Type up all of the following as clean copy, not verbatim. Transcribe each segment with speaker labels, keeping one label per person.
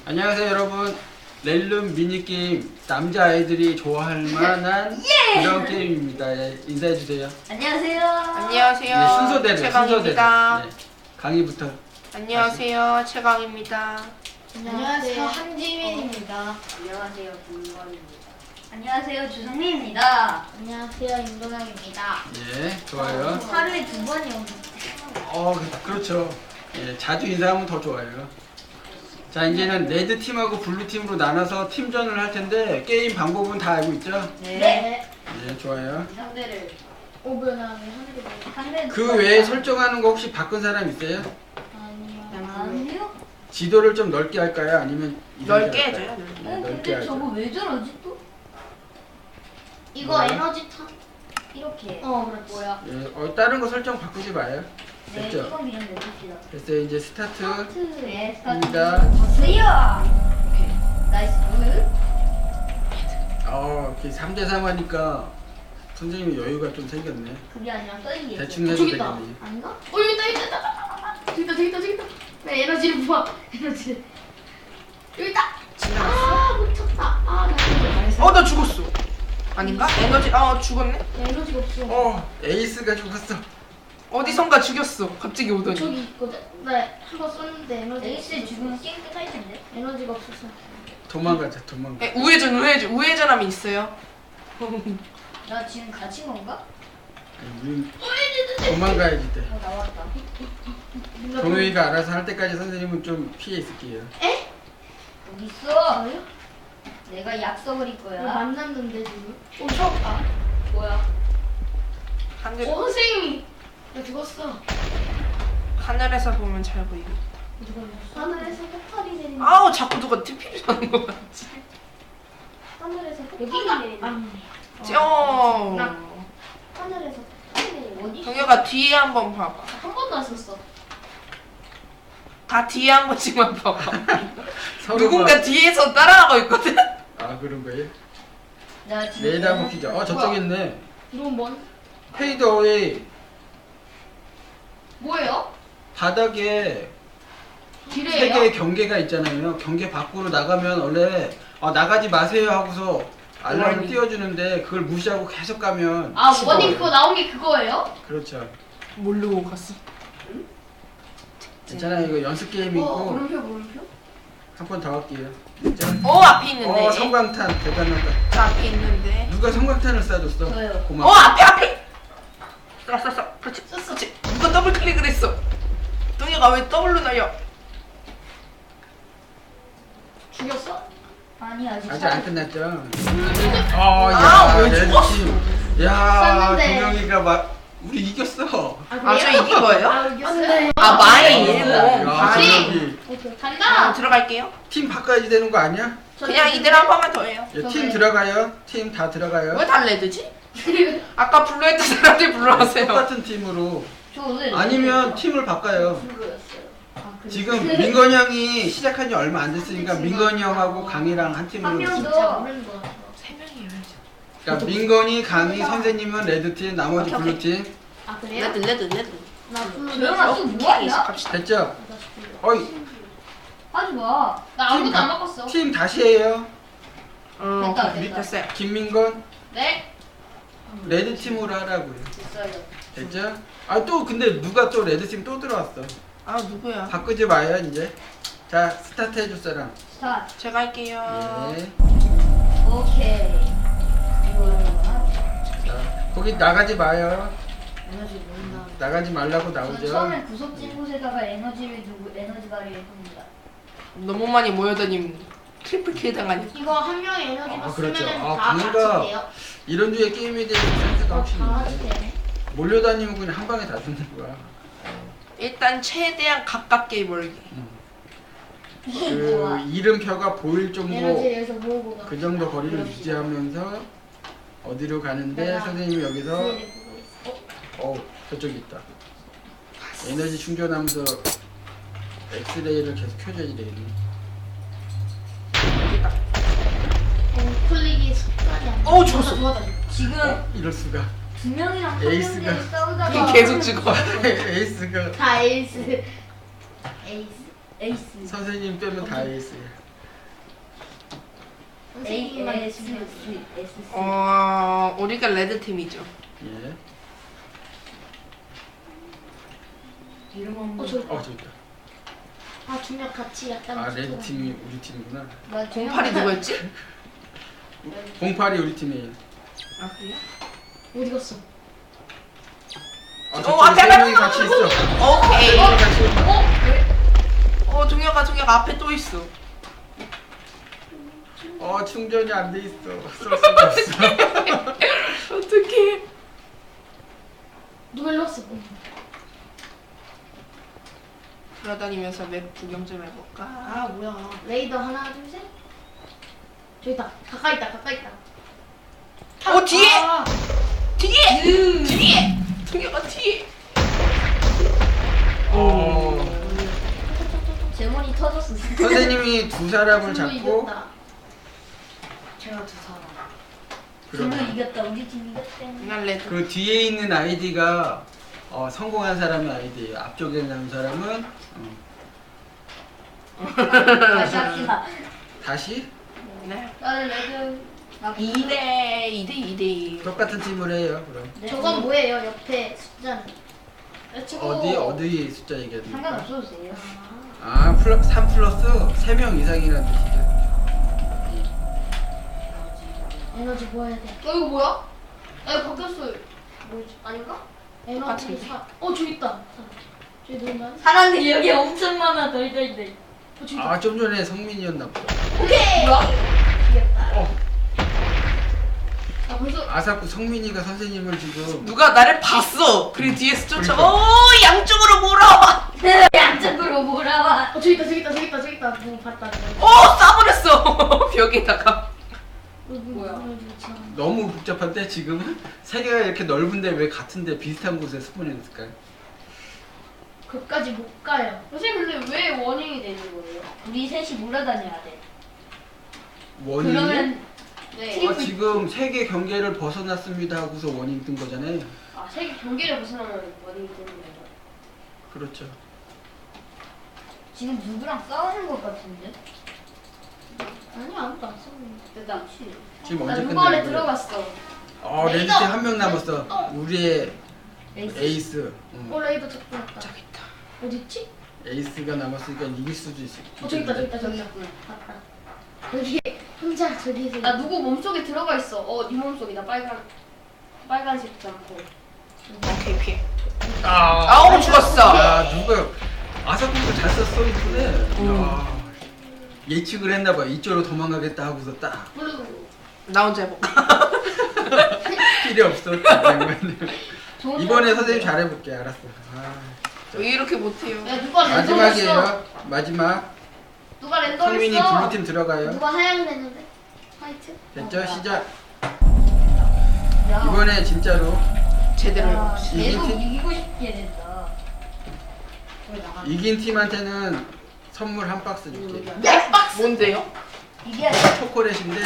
Speaker 1: 안녕하세요 여러분. 렐룸 미니게임 남자아이들이 좋아할 만한 그런 게임입니다. 예, 인사해주세요.
Speaker 2: 안녕하세요.
Speaker 3: 안녕하세요.
Speaker 1: 네, 순서대로
Speaker 3: 최강입니다.
Speaker 1: 네, 강의부터.
Speaker 3: 안녕하세요. 최강입니다.
Speaker 2: 안녕하세요. 한지민입니다. 안녕하세요. 김건입니다. 안녕하세요. 주성민입니다. 안녕하세요. 임동영입니다.
Speaker 1: 예, 좋아요.
Speaker 2: 하루에 2번이 오는.
Speaker 1: 그렇죠. 예, 자주 인사하면 더 좋아요. 자, 이제는 레드 팀하고 블루 팀으로 나눠서 팀전을 할 텐데 게임 방법은 다 알고 있죠?
Speaker 2: 네.
Speaker 1: 예, 좋아요.
Speaker 2: 상대를 오변하면 상대.
Speaker 1: 그 외에 설정하는 거 혹시 바꾼 사람 있어요?
Speaker 2: 아니요.
Speaker 1: 지도를 좀 넓게 할까요? 아니면
Speaker 3: 넓게
Speaker 1: 할까요?
Speaker 3: 해줘요.
Speaker 1: 네, 넓게
Speaker 2: 근데
Speaker 1: 하죠.
Speaker 2: 저거 왜 저러지 또? 이거
Speaker 1: 뭐야?
Speaker 2: 에너지 타 이렇게. 그렇지. 뭐야?
Speaker 1: 예, 다른 거 설정 바꾸지 마요.
Speaker 2: 네,
Speaker 1: 됐죠?
Speaker 2: 이건 그냥 내줍시다.
Speaker 1: 됐어요. 이제 스타트.
Speaker 2: 스타트에
Speaker 1: 입니다.
Speaker 2: 스타트. 오케이. 나이스.
Speaker 1: 이렇게 3대3 하니까 선생님이 여유가 좀 생겼네.
Speaker 2: 그게 아니라 써있네.
Speaker 1: 대충 해도
Speaker 4: 저기다.
Speaker 1: 되겠네.
Speaker 2: 아닌가?
Speaker 4: 여기 있다. 네, 에너지를 부어. 에너지. 여기 있다. 못 쳤다.
Speaker 3: 나 죽었어. 아닌가? 에너지, 죽었네?
Speaker 4: 에너지가 없어.
Speaker 1: 에이스가 죽었어.
Speaker 3: 어디선가 죽였어. 갑자기 오더니.
Speaker 4: 저기 있거든. 네, 한번 썼는데
Speaker 2: 에이스 죽으면 게임 끝날 텐데.
Speaker 4: 에너지가 없어서.
Speaker 1: 도망가자.
Speaker 3: 우회전함이 있어요.
Speaker 2: 나 지금 갇힌 건가?
Speaker 1: 우린 도망가야지 돼.
Speaker 2: 나왔다.
Speaker 1: 동영이가 알아서 할 때까지 선생님은 좀 피해 있을게요.
Speaker 2: 여기 있어.
Speaker 4: 저요?
Speaker 2: 내가 약속을 할 거야.
Speaker 4: 만났는데 지금.
Speaker 2: 뭐야?
Speaker 3: 하늘,
Speaker 4: 선생님이. 나 죽었어.
Speaker 3: 하늘에서 보면 잘 보이고.
Speaker 4: 하늘에서 폭발이 내리는.
Speaker 3: 자꾸 누가 TP를 하는 거 같지?
Speaker 4: 하늘에서
Speaker 2: 여기
Speaker 4: 폭발이
Speaker 2: 내리는.
Speaker 4: 하늘에서 폭발이 내리는.
Speaker 2: 어디?
Speaker 3: 동혁아 뒤에 한번 봐봐.
Speaker 4: 한 번도 안 썼어.
Speaker 3: 다 뒤에 한 번씩만 봐봐.
Speaker 1: 서로가-
Speaker 3: 누군가 뒤에서 따라가고 있거든?
Speaker 1: 그런 거예요?
Speaker 2: 나 지금.
Speaker 1: 레이더 한번 키자. 저쪽에 있네.
Speaker 4: 이건 뭔?
Speaker 1: 페이드 어웨이.
Speaker 4: 뭐예요?
Speaker 1: 바닥에 세
Speaker 4: 기레예요?
Speaker 1: 개의 경계가 있잖아요. 경계 밖으로 나가면 원래 나가지 마세요 하고서 알람을
Speaker 3: 원이.
Speaker 1: 띄워주는데 그걸 무시하고 계속 가면
Speaker 4: 원님 그거 나온 게 그거예요?
Speaker 1: 그렇죠.
Speaker 3: 모르고 갔어.
Speaker 1: 괜찮아요. 이거 연습 게임이고
Speaker 4: 물음표.
Speaker 1: 한 번 더 할게요. 됐죠?
Speaker 3: 앞에 있는데.
Speaker 1: 성광탄 대단하다.
Speaker 3: 저 앞에 있는데.
Speaker 1: 누가 성광탄을 쏴줬어?
Speaker 2: 저요.
Speaker 1: 고마워.
Speaker 3: 앞에! 쐈어. 그렇지. 누가 더블 클릭을 했어. 동혁아 왜 더블로 날려?
Speaker 4: 죽였어?
Speaker 2: 아니 아직.
Speaker 1: 아직 안 끝났죠?
Speaker 3: 왜
Speaker 1: 레드
Speaker 3: 죽었어?
Speaker 1: 팀. 야,
Speaker 4: 쐈는데.
Speaker 1: 동영이가 우리 이겼어.
Speaker 3: 저 이긴 거예요?
Speaker 4: 이겼어요.
Speaker 3: 마이.
Speaker 1: 야,
Speaker 4: 아니.
Speaker 1: 동영이
Speaker 4: 간다.
Speaker 3: 들어갈게요.
Speaker 1: 팀 바꿔야지 되는 거 아니야?
Speaker 3: 그냥 이대로 한 번만 더 해요.
Speaker 1: 예, 팀 들어가요. 팀 다 들어가요.
Speaker 3: 왜 달래드지? 아까 블루 했던 사람들 블루 하세요.
Speaker 1: 똑같은 팀으로.
Speaker 2: 저 오늘.
Speaker 1: 아니면 팀을 바꿔요.
Speaker 2: 블루였어요.
Speaker 1: 지금 민건이 형이 시작한 지 얼마 안 됐으니까 민건이 형하고 강이랑 한 팀으로.
Speaker 2: 한 명
Speaker 1: 있어요.
Speaker 2: 더.
Speaker 4: 모르는 거.
Speaker 3: 3명이어야죠.
Speaker 1: 그러니까 민건이, 강이, 선생님은 레드 팀, 나머지
Speaker 3: 오케이,
Speaker 1: 블루 팀.
Speaker 4: 그래요?
Speaker 3: 레드.
Speaker 4: 나 불러.
Speaker 2: 조용아 또 뭐하냐?
Speaker 3: 갑시다.
Speaker 1: 됐죠? 어이,
Speaker 2: 하지 마.
Speaker 4: 나 아무것도 안 바꿨어.
Speaker 1: 팀 다시 해요.
Speaker 2: 됐다.
Speaker 3: 됐어요.
Speaker 1: 김민건,
Speaker 4: 네.
Speaker 1: 레드 팀으로 하라고요.
Speaker 2: 됐어요.
Speaker 1: 됐죠? 또 근데 누가 또 레드 팀 또 들어왔어.
Speaker 3: 누구야?
Speaker 1: 바꾸지 마요 이제. 자, 스타트 해줄 사람.
Speaker 2: 스타트.
Speaker 3: 제가 할게요.
Speaker 1: 예.
Speaker 2: 오케이. 이거야.
Speaker 1: 자, 거기 나가지 마요.
Speaker 2: 에너지 모은다.
Speaker 1: 나가지 말라고
Speaker 2: 저는
Speaker 1: 나오죠.
Speaker 2: 처음에 구석진 곳에다가 에너지를 두고 에너지 발휘를 합니다.
Speaker 3: 너무 많이 모여다니면 트리플 킬 당하니.
Speaker 4: 이거 한 명의 에너지만
Speaker 1: 그렇죠.
Speaker 4: 쓰면은 다
Speaker 1: 방금
Speaker 4: 같이 돼요.
Speaker 1: 이런 류의 게임에 대해서 센스가 훨씬
Speaker 4: 다 같이
Speaker 1: 있네.
Speaker 4: 되네.
Speaker 1: 몰려다니면 그냥 한 방에 다 죽는 거야.
Speaker 3: 일단 최대한 가깝게 멀기.
Speaker 2: 좋아.
Speaker 1: 이름표가 보일 정도
Speaker 4: 에너지 여기서 모으고 가.
Speaker 1: 그 정도 거리를 유지하면서 어디로 가는데
Speaker 4: 내가
Speaker 1: 선생님이 여기서
Speaker 4: 기회를 보고 있어.
Speaker 1: 저쪽에 있다. 에너지 충전하면서 엑스레이를 계속 켜줘야 되겠네.
Speaker 3: 여기다.
Speaker 4: 클릭이 습관이 안 돼.
Speaker 3: 죽었어.
Speaker 2: 지금
Speaker 1: 이럴 수가.
Speaker 2: 두 명이랑 한
Speaker 1: 에이스가.
Speaker 2: 명끼리 싸우다가
Speaker 3: 계속 죽어.
Speaker 1: 에이스가
Speaker 4: 다 에이스.
Speaker 2: 에이스.
Speaker 1: 선생님 빼면 다 에이스야.
Speaker 4: 선생님만
Speaker 2: S
Speaker 4: 있으면
Speaker 2: S.
Speaker 3: 우리가 레드 팀이죠.
Speaker 1: 예.
Speaker 2: 이름 한번.
Speaker 4: 저
Speaker 1: 저기 있다.
Speaker 4: 아, 두 명 같이 약간
Speaker 1: 아, 레드 팀이 우리 팀이구나.
Speaker 2: 나
Speaker 3: 08이 누구였지?
Speaker 1: 08이 우리 팀이에요.
Speaker 3: 아 그래요?
Speaker 4: 어디 갔어?
Speaker 1: 저쪽에 세 명이 같이 있어.
Speaker 3: 오케이.
Speaker 1: 세 명이 같이 있어.
Speaker 3: 종혁아 앞에 또 있어.
Speaker 1: 충전이 안 돼 있어. 쓸 수가 없어.
Speaker 3: 어떡해.
Speaker 4: 누가 일로 왔어?
Speaker 3: 돌아다니면서 맵 구경 좀 해볼까?
Speaker 4: 아, 뭐야. 레이더 하나, 둘, 셋. 저기 있다. 가까이 있다. 가까이 있다.
Speaker 3: 뒤에!
Speaker 4: 아,
Speaker 3: 뒤에! 종혁아 뒤에!
Speaker 2: 제몬이 터졌어.
Speaker 1: 선생님이 두 사람을
Speaker 4: 둘로
Speaker 1: 잡고
Speaker 4: 이겼다.
Speaker 2: 제가 두 사람.
Speaker 1: 그럼
Speaker 2: 둘로 이겼다. 우리 팀 이겼대.
Speaker 3: 난 레드.
Speaker 1: 그 뒤에 있는 아이디가 성공한 사람의 아이디예요. 앞쪽에 있는 사람은
Speaker 2: 다시 합시다.
Speaker 1: 다시
Speaker 3: 네.
Speaker 2: 나는 레드.
Speaker 3: 2대2.
Speaker 1: 똑같은 팀을 해요. 그럼
Speaker 4: 저건 뭐예요? 옆에 숫자는. 치고.
Speaker 1: 어디 숫자 얘기해야 됩니까?
Speaker 2: 상관없어도 돼요.
Speaker 1: 3 플러스 3명 이상이라는 뜻이죠.
Speaker 4: 에너지 모아야 돼.
Speaker 5: 이거 뭐야? 이거 바뀌었어요. 뭐지? 아닌가?
Speaker 4: 에너지
Speaker 3: 같은데?
Speaker 4: 4. 저기 있다. 저기 누군가?
Speaker 2: 사람들이 여기 엄청 많아. 덜덜덜.
Speaker 4: 저기 있다.
Speaker 1: 좀 전에 성민이었나 보다.
Speaker 5: 뭐야?
Speaker 2: 이겼다.
Speaker 5: 아 벌써
Speaker 1: 아사쿠 성민이가 선생님을 지금
Speaker 3: 누가 나를 봤어. 그리고 뒤에서 쫓아. 양쪽으로 몰아와.
Speaker 2: 양쪽으로 몰아와.
Speaker 4: 저기 있다. 저기 있다. 저기 있다. 저기 있다. 누구 봤다.
Speaker 3: 싸버렸어. 벽에다가.
Speaker 5: 뭐야?
Speaker 1: 너무 복잡한데 지금은 세계가 이렇게 넓은데 왜 같은데 비슷한 곳에 스폰했을까요?
Speaker 4: 그까지 못 가요.
Speaker 5: 선생님 근데 왜 원인이 되는 거예요?
Speaker 2: 우리 셋이 몰아다녀야 돼.
Speaker 1: 원인이
Speaker 2: 그러면
Speaker 5: 네.
Speaker 1: 지금 세계 경계를 벗어났습니다 하고서 원인 뜬 거잖아요.
Speaker 5: 아 세계 경계를 벗어나면 원인이 되는 거예요.
Speaker 1: 그렇죠.
Speaker 2: 지금 누구랑 싸우는 것 같은데?
Speaker 4: 아니 아무도 안 썼는데.
Speaker 5: 됐다.
Speaker 1: 지금
Speaker 5: 나
Speaker 1: 언제
Speaker 5: 누구 안에
Speaker 1: 끝나는 거예요?
Speaker 5: 들어갔어.
Speaker 1: 레드팀 한 명 남았어. 우리의 에이스.
Speaker 4: 레이더 잡고 왔다.
Speaker 3: 저기 있다.
Speaker 4: 어디 있지?
Speaker 1: 에이스가 남았으니까 이길 수도 있어.
Speaker 4: 저기 있다. 저기 있다. 저기 있다. 봤다. 여기 혼자 저기서.
Speaker 5: 나 누구 몸속에 들어가 있어. 네 몸속이다. 빨간색 않고.
Speaker 3: 오케이 피해.
Speaker 1: 아우
Speaker 3: 죽었어.
Speaker 1: 누가 아사쿠가 잘 썼어 이번에. 예측을 했나봐. 이쪽으로 도망가겠다 하고서 딱
Speaker 3: 나 혼자 해볼까?
Speaker 1: 필요 없어. 이번에 선생님 잘해볼게. 알았어.
Speaker 3: 왜 이렇게 못해요?
Speaker 5: 야 누가 랜덤 했어?
Speaker 1: 마지막이에요. 마지막.
Speaker 5: 누가 랜덤
Speaker 1: 성민이
Speaker 5: 했어?
Speaker 1: 블루팀 들어가요.
Speaker 4: 누가 하얀 했는데? 화이트?
Speaker 1: 됐죠? 시작.
Speaker 2: 야,
Speaker 1: 이번에 진짜로
Speaker 3: 제대로
Speaker 2: 야,
Speaker 3: 해봅시다.
Speaker 2: 계속
Speaker 1: 이긴
Speaker 2: 이기고 싶게 된다.
Speaker 1: 이긴 팀한테는 선물 한 박스 줄게.
Speaker 3: 뭔데요?
Speaker 2: 이게
Speaker 1: 초콜릿인데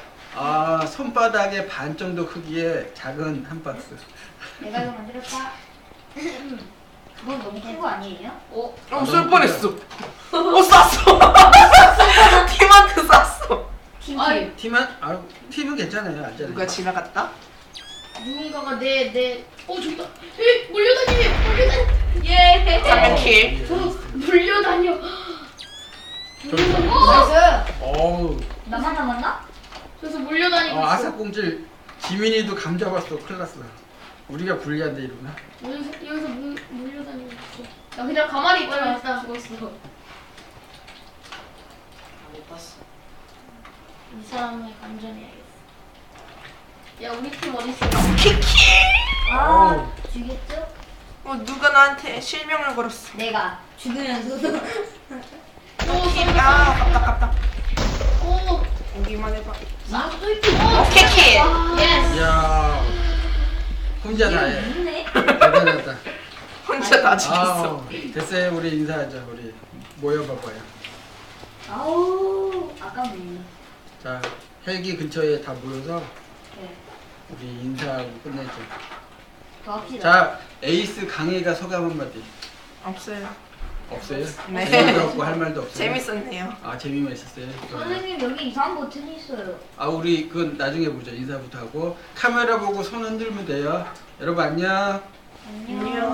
Speaker 1: 손바닥의 반 정도 크기의 작은 한 박스.
Speaker 2: 내가 이거 만들었다. 그건 너무 큰 거 아니에요?
Speaker 3: 쏠 뻔했어. 쐈어. 팀한테 쐈어.
Speaker 2: 팀.
Speaker 5: 아이,
Speaker 1: 팀은 괜찮아요. 안전해.
Speaker 3: 누가 지나갔다?
Speaker 4: 누군가가 저기다. 몰려다니.
Speaker 5: 예.
Speaker 3: 장난킬.
Speaker 4: 몰려다녀.
Speaker 2: 나이스.
Speaker 1: 어우.
Speaker 2: 나만 남았나?
Speaker 4: 그래서 몰려다니고 있어.
Speaker 1: 아사공질 지민이도 감 잡았어. 큰일 났어. 우리가 불리한데 이러나?
Speaker 4: 여기서 몰려다니고 있어.
Speaker 5: 나 그냥 가만히 있다가
Speaker 4: 맞다.
Speaker 5: 죽었어.
Speaker 3: 못 봤어.
Speaker 4: 이 사람을 감전해야겠어.
Speaker 5: 야 우리 팀 어디 있어?
Speaker 3: 키키.
Speaker 2: 아, 죽였죠?
Speaker 3: 누가 나한테 실명을 걸었어.
Speaker 2: 내가 죽으면서도.
Speaker 3: 깝다.
Speaker 4: 오.
Speaker 3: 오기만 해봐.
Speaker 4: 나도 있지.
Speaker 3: 오케이 키.
Speaker 5: 예스.
Speaker 1: 이야. 혼자 다 해.
Speaker 2: 있네.
Speaker 1: 대단하다.
Speaker 3: 혼자 다 죽였어.
Speaker 1: 됐어요. 우리 인사하자. 우리 모여봐봐요.
Speaker 2: 아우, 아깝네.
Speaker 1: 자, 헬기 근처에 다 모여서
Speaker 2: 네.
Speaker 1: 우리 인사하고 끝내죠.
Speaker 2: 더 합시다.
Speaker 1: 자, 에이스 강혜가 소감 한마디.
Speaker 3: 없어요.
Speaker 1: 없어요?
Speaker 3: 네.
Speaker 1: 재미도 없고 할 말도 없어요?
Speaker 3: 재밌었네요.
Speaker 1: 아 재미만 있었어요?
Speaker 2: 선생님 여기 이상한 버튼이 있어요.
Speaker 1: 아 우리 그건 나중에 보자. 인사부터 하고 카메라 보고 손 흔들면 돼요. 여러분 안녕.
Speaker 2: 안녕.